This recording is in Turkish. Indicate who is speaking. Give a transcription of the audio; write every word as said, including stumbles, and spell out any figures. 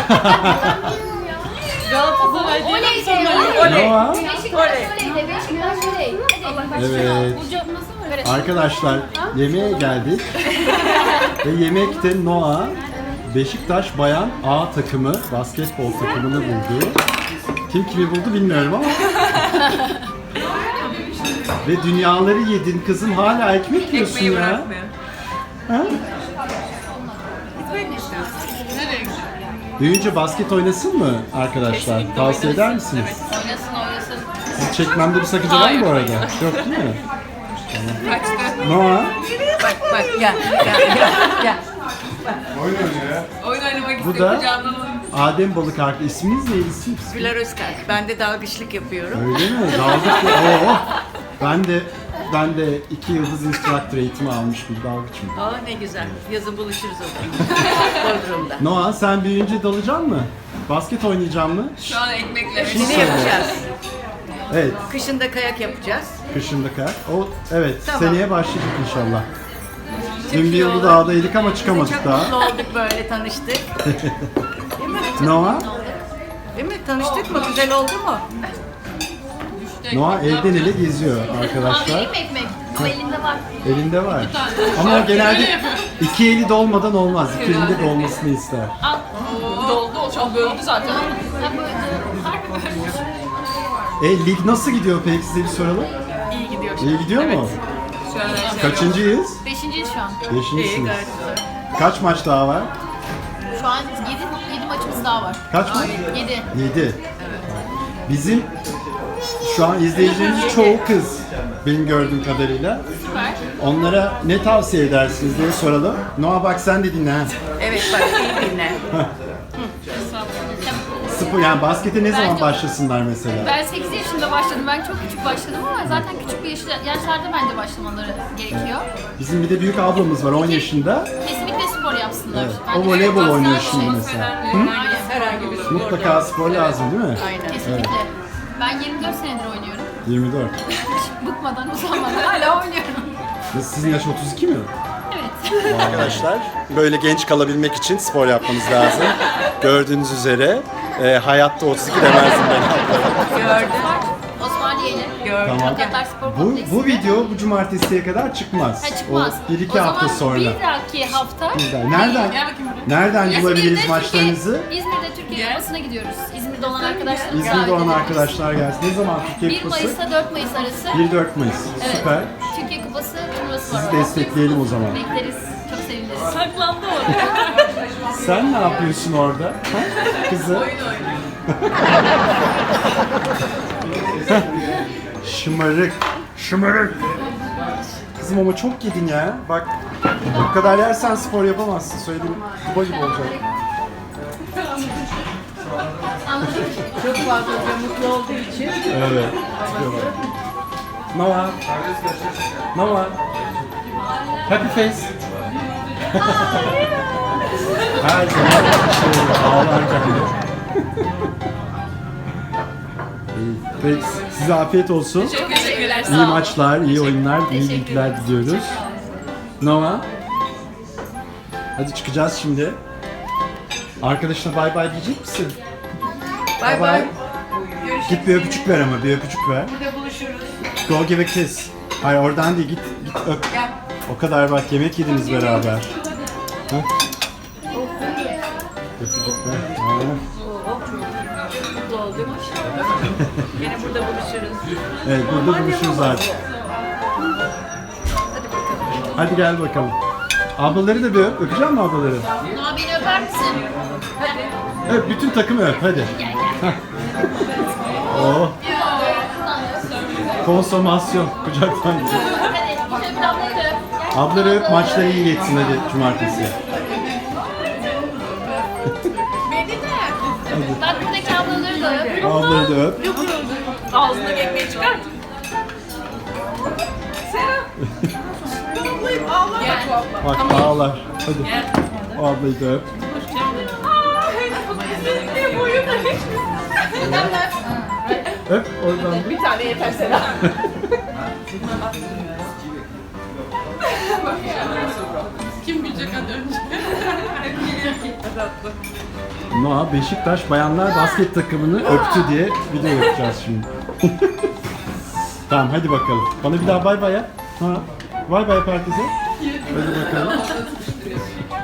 Speaker 1: Galatasaray diye
Speaker 2: Oley
Speaker 1: sonra
Speaker 2: de,
Speaker 1: oley.
Speaker 3: Noah.
Speaker 2: Beşiktaş oley de, Beşiktaş oley. Hadi.
Speaker 3: Evet.
Speaker 2: Evet.
Speaker 3: Arkadaşlar yemeğe geldik. Ve yemekte Noah Beşiktaş Bayan A takımı basketbol takımını buldu. Kim kimi buldu bilmiyorum ama. Ve dünyaları yedin kızım, hala ekmek yiyorsun
Speaker 1: Ekmeği
Speaker 3: ya.
Speaker 1: bırakmıyor.
Speaker 3: Ha? Büyüyünce basket oynasın mı arkadaşlar?
Speaker 1: Kesinlikle
Speaker 3: Tavsiye eder
Speaker 1: oynasın,
Speaker 3: misiniz?
Speaker 2: Oynasın oynasın.
Speaker 3: Sizi çekmemde bir sakınca var mı
Speaker 1: Hayır,
Speaker 3: bu arada?
Speaker 1: hayır.
Speaker 3: Yok değil mi?
Speaker 1: Kaçtı.
Speaker 3: Noah.
Speaker 1: Bak bak gel gel gel. gel.
Speaker 3: Oyun oynuyor ya.
Speaker 1: Oyun oynamak
Speaker 3: Bu
Speaker 1: istiyor
Speaker 3: da
Speaker 1: kucağımdan alın.
Speaker 3: Adem Balık Arka. İsminiz neydi? İsim?
Speaker 4: Güler Özkay. Ben de dalgıçlık yapıyorum.
Speaker 3: Öyle mi? Dalgıç mı? Oo. Ben de ben de iki yıldız instructor eğitimi almış bir dalgıçım.
Speaker 4: Aa ne güzel. Yazın buluşuruz o zaman. Bodrum'da.
Speaker 3: Noah, sen büyüyünce dalacaksın mı? Basket oynayacaksın mı?
Speaker 1: Şu an ekmekle.
Speaker 3: Şimdi
Speaker 4: Ne
Speaker 3: söyle.
Speaker 4: yapacağız?
Speaker 3: Evet,
Speaker 4: Kışında kayak yapacağız.
Speaker 3: kışında kar. O evet,
Speaker 4: Tamam.
Speaker 3: seneye başlayacak inşallah. Dün bir
Speaker 1: iyi
Speaker 3: yılda
Speaker 1: olur.
Speaker 3: dağdaydık ama çıkamadık
Speaker 4: Çok
Speaker 3: daha.
Speaker 4: mutlu olduk böyle tanıştık.
Speaker 3: Noah,
Speaker 4: Değil mi? Tanıştık mı? Güzel oldu mu?
Speaker 3: Noah evden ele geziyor arkadaşlar.
Speaker 2: Vereyim mi ekmek? Ama elinde var.
Speaker 3: Elinde var. Ama o genelde iki eli dolmadan olmaz. İki elinde dolmasını ister.
Speaker 2: Al.
Speaker 1: Doldu o çok böldü zaten.
Speaker 2: Ben böyle
Speaker 3: E lig nasıl gidiyor peki, size bir soralım.
Speaker 1: İyi gidiyor.
Speaker 3: İyi gidiyor mu?
Speaker 1: Şu an her şey.
Speaker 3: Kaçıncıyız?
Speaker 2: beşinciyiz şu an.
Speaker 4: İyi
Speaker 3: Beşincisiniz.
Speaker 4: gayet güzel.
Speaker 3: Kaç maç daha var?
Speaker 2: Şu an yedi, yedi maçımız daha var.
Speaker 3: Kaç maç?
Speaker 2: Yedi.
Speaker 3: Yedi. Bizim şu an izleyicilerimiz çoğu kız. Benim gördüğüm kadarıyla.
Speaker 2: Süper.
Speaker 3: Onlara ne tavsiye edersiniz diye soralım. Noah bak sen de dinle ha.
Speaker 4: Evet bak iyi dinle.
Speaker 3: Spor, yani baskete ne zaman
Speaker 2: Bence-
Speaker 3: başlasınlar mesela?
Speaker 2: Ben sekiz yaşında başladım. Ben çok küçük başladım ama zaten küçük bir yaşta, yaşlarda bence başlamaları gerekiyor.
Speaker 3: Bizim bir de büyük ablamız var on yaşında.
Speaker 2: Kesinlikle spor yapsınlar.
Speaker 3: Evet.
Speaker 2: Bence
Speaker 3: O voleybol
Speaker 2: de-
Speaker 3: oynuyor
Speaker 2: Basketbol
Speaker 3: şimdi
Speaker 2: şey.
Speaker 3: mesela.
Speaker 2: Aynen.
Speaker 4: Herhangi bir spor.
Speaker 3: Mutlaka spor lazım değil mi?
Speaker 4: Aynen.
Speaker 2: Kesinlikle. Ben yirmi dört senedir oynuyorum.
Speaker 3: yirmi dört.
Speaker 2: Hiç bıkmadan, usanmadan hala oynuyorum.
Speaker 3: Sizin yaş otuz iki mi?
Speaker 2: Evet.
Speaker 3: Arkadaşlar böyle genç kalabilmek için spor yapmanız lazım. Gördüğünüz üzere e, hayatta otuz iki demezdim ben.
Speaker 4: Gördün.
Speaker 2: Osmaniye'yle.
Speaker 4: Gördüm.
Speaker 3: Tamam.
Speaker 2: Radyatlar Spor
Speaker 3: Bu,
Speaker 2: Kompleksi'nde.
Speaker 3: bu video bu cumartesiye kadar çıkmaz.
Speaker 2: Ha, çıkmaz.
Speaker 3: O bir iki
Speaker 2: O
Speaker 3: hafta
Speaker 2: zaman
Speaker 3: sonra.
Speaker 2: bir dahaki hafta
Speaker 3: Güzel. Nereden?
Speaker 1: Gel bakayım buraya.
Speaker 3: Nereden
Speaker 2: İzmir'de
Speaker 3: bulabiliriz
Speaker 2: Türkiye-
Speaker 3: maçlarınızı?
Speaker 2: İzmir'de Türkiye Kupası'na gidiyoruz. İzmir'de olan arkadaşlarımız
Speaker 3: İzmir'de olan
Speaker 2: ediyoruz.
Speaker 3: arkadaşlar gelsin. Ne zaman Türkiye
Speaker 2: bir
Speaker 3: Kupası?
Speaker 2: Mayıs'ta dört Mayıs arası.
Speaker 3: bir dört Mayıs.
Speaker 2: Evet.
Speaker 3: Süper.
Speaker 2: Türkiye Kupası turnuvası var.
Speaker 3: Sizi destekleyelim o zaman.
Speaker 2: Bekleriz. Çok seviniriz.
Speaker 1: Saklandı orada.
Speaker 3: Sen ne yapıyorsun orada? Ha? Kızı. Şımarık. Şımarık. Kızım ama çok yedin ya. Bak bu kadar yersen spor yapamazsın. Söyleyeyim. Duba gibi olacak.
Speaker 4: Çok fazla mutlu olduğu için.
Speaker 3: Evet. Yapıyorlar. Noah. Noah. Happy face. Her zaman şey, ağlarken bile. İyi. Peki, size afiyet olsun.
Speaker 1: Çok teşekkürler. Sağ
Speaker 3: İyi
Speaker 1: olun.
Speaker 3: maçlar, iyi oyunlar, iyi
Speaker 2: Teşekkür
Speaker 3: bilgiler
Speaker 2: ederiz.
Speaker 3: diliyoruz. Noah. Hadi çıkacağız şimdi. Arkadaşına bay bay diyecek misin?
Speaker 4: Bay bay.
Speaker 3: Git bir öpücük ver ama, bir öpücük ver.
Speaker 4: Burada buluşuruz.
Speaker 3: Go give a kiss. Hayır oradan değil, git git öp.
Speaker 4: Gel.
Speaker 3: O kadar bak, yemek yediniz beraber. Ha? Öpücük ver. Ha.
Speaker 4: Mutlu olduk. Yine burada buluşuruz.
Speaker 3: Evet, burada buluşuruz artık. Hadi gel bakalım. Ablaları da bir öp. Öpeceğim mi ablaları?
Speaker 2: Noah beni öper misin?
Speaker 3: Evet, bütün takımı öp hadi.
Speaker 2: Gel gel.
Speaker 3: Oh. Konsomasyon kucaktan gidiyor.
Speaker 2: Hadi git öp ablayı da öp. Gel.
Speaker 3: Ablaları öp, maçları iyi geçsin hadi cumartesi.
Speaker 2: Bak buradaki ablaları da öp.
Speaker 3: Ablaları da öp.
Speaker 1: Ağzındaki ekmeği çıkart. Ağla bak bu abla.
Speaker 3: Bak ağlar. Hadi. O ablayı da öp.
Speaker 1: Ne boyu da hiç.
Speaker 3: Öp oradan.
Speaker 1: Bir tane yeter Sera. Kim bilecek hadi önce. Hadi atla.
Speaker 3: Noah Beşiktaş bayanlar basket takımını öptü diye video yapacağız şimdi. Tamam hadi bakalım. Bana bir daha bay bay yap. Ha. Bay bay yap herkese. Hadi bakalım.